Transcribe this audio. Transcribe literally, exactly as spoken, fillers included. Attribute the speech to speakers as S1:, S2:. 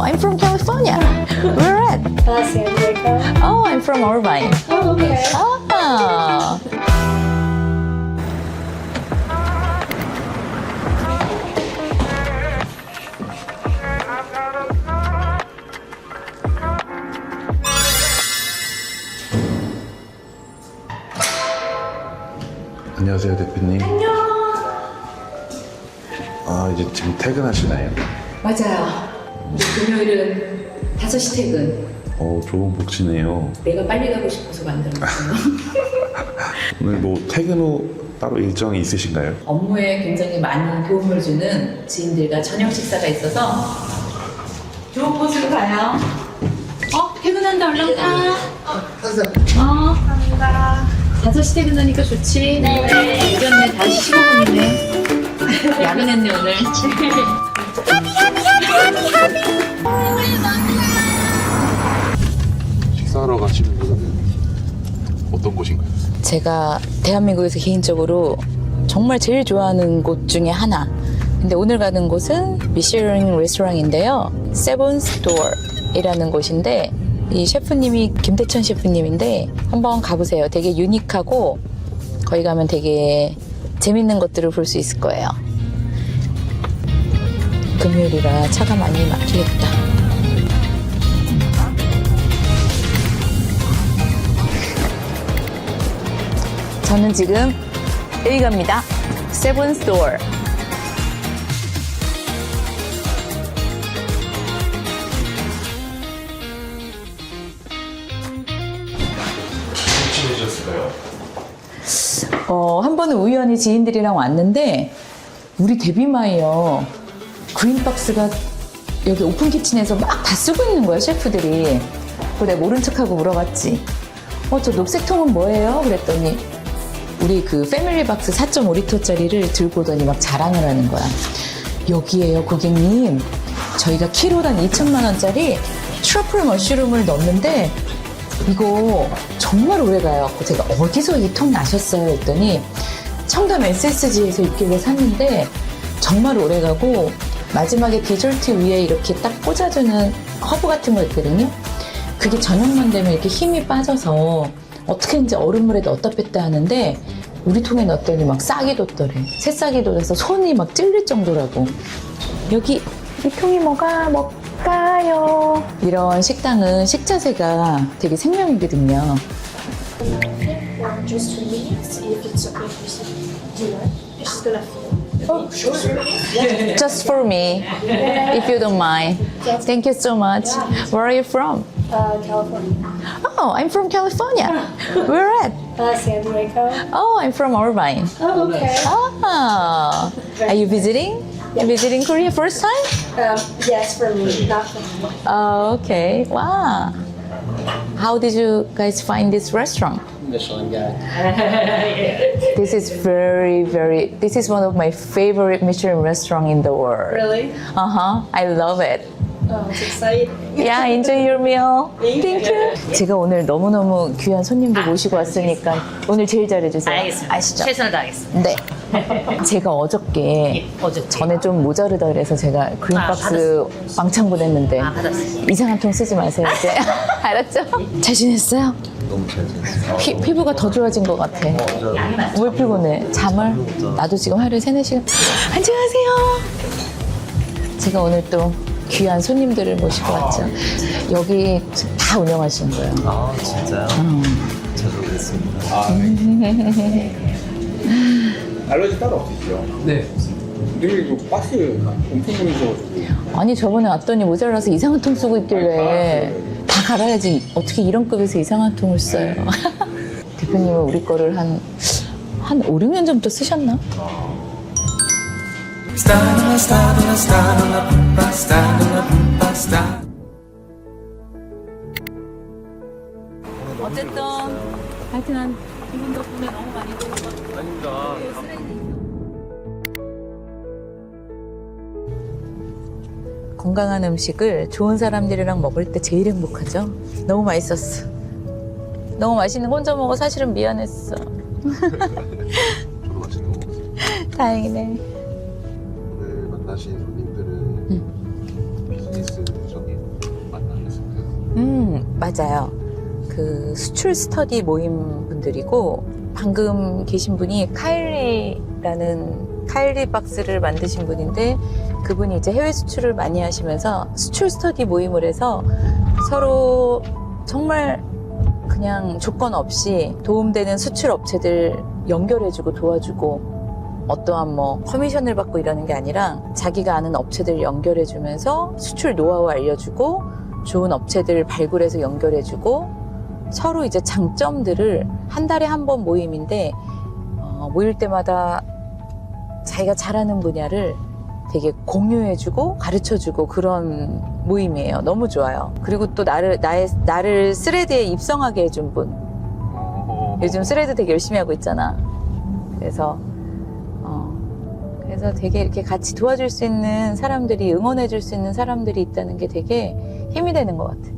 S1: I'm from California. Where at?
S2: Uh, San Diego.
S1: Oh, I'm from Irvine.
S2: Oh, okay.
S1: Ah.
S3: 안녕하세요, 대표님. 안녕. 아, 이제 지금 퇴근하시나요?
S1: 맞아요. 금요일은 다섯 시 퇴근.
S3: 어, 좋은 복지네요.
S1: 내가 빨리 가고 싶어서 만들었어요.
S3: 오늘 뭐 퇴근 후 따로 일정이 있으신가요?
S1: 업무에 굉장히 많은 도움을 주는 지인들과 저녁 식사가 있어서 좋은 곳으로 가요. 어? 퇴근한다, 얼른 가. 어.
S2: 감사합니다.
S1: 다섯 시 퇴근하니까 좋지? 네. 예전에 다시 십오 분이네. 야근했네, 오늘.
S3: 식사하러 가시는 곳은 어떤 곳인가요?
S1: 제가 대한민국에서 개인적으로 정말 제일 좋아하는 곳 중에 하나. 근데 오늘 가는 곳은 미슐랭 레스토랑인데요. 세븐 스토어이라는 곳인데 이 셰프님이 김대천 셰프님인데 한번 가보세요. 되게 유니크하고 거기 가면 되게 재밌는 것들을 볼 수 있을 거예요. 금요일이라 차가 많이 막히겠다. 저는 지금 여기 갑니다. 세븐 스토어.
S3: 친해졌을까요?
S1: 어, 한 번은 우연히 지인들이랑 왔는데 우리 데뷔마이어 그린박스가 여기 오픈 키친에서 막 다 쓰고 있는 거야, 셰프들이. 그래서 내가 모른 척하고 물어봤지. 어, 저 녹색 통은 뭐예요? 그랬더니 우리 그 패밀리박스 사 점 오 리터짜리를 들고 오더니 막 자랑을 하는 거야. 여기에요, 고객님. 저희가 키로당 이천만 원짜리 트러플 머쉬룸을 넣었는데 이거 정말 오래가요. 제가 어디서 이 통 나셨어요? 했더니 청담 에스에스지에서 있길래 샀는데 정말 오래가고 마지막에 디저트 위에 이렇게 딱 꽂아주는 허브 같은 거 있거든요. 그게 저녁만 되면 이렇게 힘이 빠져서 어떻게든지 얼음물에 넣었다 뺐다 하는데 우리 통에 넣었더니 막 싹이 돋더래. 새싹이 돋아서 손이 막 찔릴 정도라고. 여기 이 통이 뭐가 뭘까요? 이런 식당은 식자재가 되게 생명이거든요.
S2: Or just for me, see if it's okay if we see dinner. She's gonna feel.
S1: Oh, just for me, if you don't mind. Thank you so much. Where are you from?
S2: Uh, California.
S1: Oh, I'm from California. Where at?
S2: Uh, San Diego.
S1: Oh, I'm from Irvine.
S2: Oh, okay.
S1: Ah, are you visiting? Visiting Korea first time?
S2: Um, yes, for me, not for me.
S1: Oh, okay. Wow. How did you guys find this restaurant?
S4: Michelin guy.
S1: This is very, very, this is one of my favorite Michelin restaurant in the world.
S2: Really?
S1: Uh-huh. I love it.
S2: Oh, it's exciting.
S1: Yeah, enjoy your meal.
S2: Thank you.
S1: 제가 오늘 너무너무 귀한 손님들 모시고 왔으니까 오늘 제일 잘해주세요.
S5: 알겠습니다.
S1: 아시죠?
S5: 최선을 다하겠습니다.
S1: 네. 제가 어저께
S5: 예, 어저께.
S1: 전에 좀 모자르다 그래서 제가 그린박스 왕창 보냈는데
S5: 아, 받았어요.
S1: 이상한 통 쓰지 마세요 이제. 알았죠? 잘 지냈어요?
S4: 너무 잘 지냈어요.
S1: 피, 피부가 더 좋아진 것 같아. 왜 피곤해? 잠을? 나도 지금 하루에 세네 시간. 안녕하세요. 제가 오늘 또 귀한 손님들을 모시고 왔죠. 여기 다 운영하시는 거예요.
S4: 아 진짜요? 자주 뵙습니다.
S6: 아, 알러지 따로 없으시죠?
S4: 네.
S6: 되게 그 박스 엄청 보내셔가지고
S1: 아니 저번에 왔더니 모자라서 이상한 통 쓰고 있길래 다 갈아야지 어떻게 이런 급에서 이상한 통을 써요. 대표님은 우리 거를 한, 한 오, 육 년 전부터 쓰셨나? 어쨌든 하여튼 한 이분 덕분에 너무 많이 도움 아닙니다. 건강한 음식을 좋은 사람들이랑 먹을 때 제일 행복하죠. 너무 맛있었어. 너무 맛있는 거 혼자 먹어 사실은 미안했어.
S3: 저도 맛있는 거 먹었어요.
S1: 다행이네.
S3: 오늘 만나신 손님들은 비즈니스적인
S1: 음, 맞아요. 그 수출 스터디 모임 분들이고 방금 계신 분이 카일리라는 카일리 박스를 만드신 분인데 그분이 이제 해외 수출을 많이 하시면서 수출 스터디 모임을 해서 서로 정말 그냥 조건 없이 도움되는 수출 업체들 연결해주고 도와주고 어떠한 뭐 커미션을 받고 이러는 게 아니라 자기가 아는 업체들 연결해주면서 수출 노하우 알려주고 좋은 업체들 발굴해서 연결해주고 서로 이제 장점들을 한 달에 한 번 모임인데 어, 모일 때마다 자기가 잘하는 분야를 되게 공유해주고 가르쳐주고 그런 모임이에요. 너무 좋아요. 그리고 또 나를 나의 나를 스레드에 입성하게 해준 분. 요즘 스레드 되게 열심히 하고 있잖아. 그래서 어, 그래서 되게 이렇게 같이 도와줄 수 있는 사람들이 응원해줄 수 있는 사람들이 있다는 게 되게 힘이 되는 것 같아.